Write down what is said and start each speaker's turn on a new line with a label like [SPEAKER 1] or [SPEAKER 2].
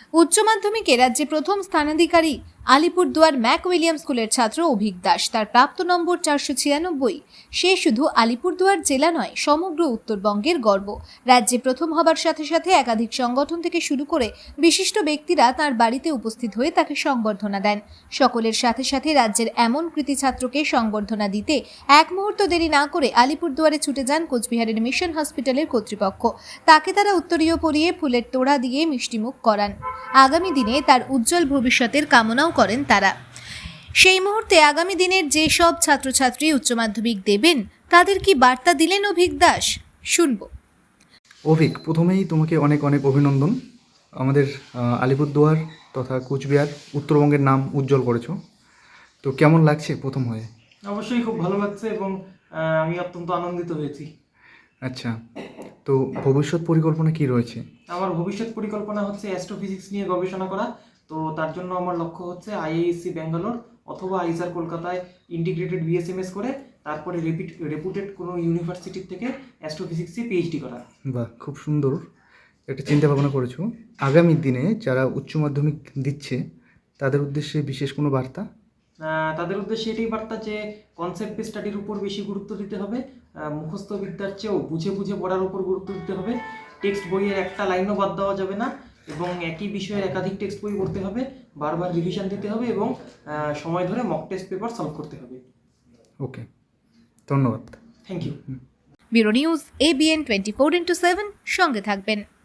[SPEAKER 1] উচ্চ মাধ্যমিকে রাজ্যে প্রথম স্থানাধিকারী আলিপুরদুয়ার ম্যাক উইলিয়াম স্কুলের ছাত্র অভিক দাস। তার প্রাপ্ত নম্বর 496। সে শুধু আলিপুরদুয়ার জেলা নয়, সমগ্র উত্তরবঙ্গের গর্ব। রাজ্যে প্রথম হবার সাথে সাথে একাধিক সংগঠন থেকে শুরু করে বিশিষ্ট ব্যক্তিরা তার বাড়িতে উপস্থিত হয়ে তাকে সংবর্ধনা দেন। সকলের সাথে সাথে রাজ্যের এমন কৃতী ছাত্রকে সংবর্ধনা দিতে এক মুহূর্ত দেরি না করে আলিপুরদুয়ারে ছুটে যান কোচবিহারের মিশন হসপিটালের কর্তৃপক্ষ। তাকে তারা উত্তরীয় পরিয়ে ফুলের তোড়া দিয়ে মিষ্টিমুখ করান। আগামী দিনে তার উজ্জ্বল ভবিষ্যতের কামনাও করেন তারা। সেই মুহূর্তে আগামী দিনের যেসব ছাত্রছাত্রী উচ্চ মাধ্যমিক দেবেন তাদের কি বার্তা দিলেন অভিক দাস, শুনব।
[SPEAKER 2] অভিক, প্রথমেই তোমাকে অনেক অনেক অভিনন্দন। আমাদের আলিপুরদুয়ার তথা কোচবিহার উত্তরবঙ্গের নাম উজ্জ্বল করেছো। তো কেমন লাগছে প্রথম হয়ে?
[SPEAKER 3] অবশ্যই খুব ভালো লাগছে এবং আমি অত্যন্ত আনন্দিত হয়েছি।
[SPEAKER 2] আচ্ছা, তো ভবিষ্যৎ পরিকল্পনা কি রয়েছে?
[SPEAKER 3] আমার ভবিষ্যৎ পরিকল্পনা হচ্ছে অ্যাস্ট্রোফিজিক্স নিয়ে গবেষণা করা। তো তার জন্য আমার লক্ষ্য হচ্ছে আইআইএসসি ব্যাঙ্গালোর অথবা আইসার কলকাতায় ইন্টিগ্রেটেড বিএসএমএস করে তারপরে রেপুটেড কোনো ইউনিভার্সিটির থেকে অ্যাস্ট্রোফিজিক্সে পিএইচডি করা।
[SPEAKER 2] বাহ, খুব সুন্দর একটা চিন্তা ভাবনা করেছো। আগামী দিনে যারা উচ্চ মাধ্যমিক দিচ্ছে তাদের উদ্দেশ্যে বিশেষ কোনো বার্তা?
[SPEAKER 3] তাদের উদ্দেশ্যে এটাই বার্তা যে কনসেপ্ট বেস স্টাডির উপর বেশি গুরুত্ব দিতে হবে। মুখস্থ বিদ্যার চেয়েও বুঝে বুঝে পড়ার উপর গুরুত্ব দিতে হবে। টেক্সট বইয়ের একটা লাইনও বাদ দেওয়া যাবে না এবং একই বিষয়ের একাধিক টেক্সট বই পড়তে হবে, বারবার রিভিশন দিতে হবে এবং সময় ধরে মক টেস্ট পেপার সলভ করতে হবে।
[SPEAKER 2] ওকে, ধন্যবাদ।
[SPEAKER 3] Thank you.
[SPEAKER 1] Bureau news ABN 24x7, সঙ্গে থাকবেন।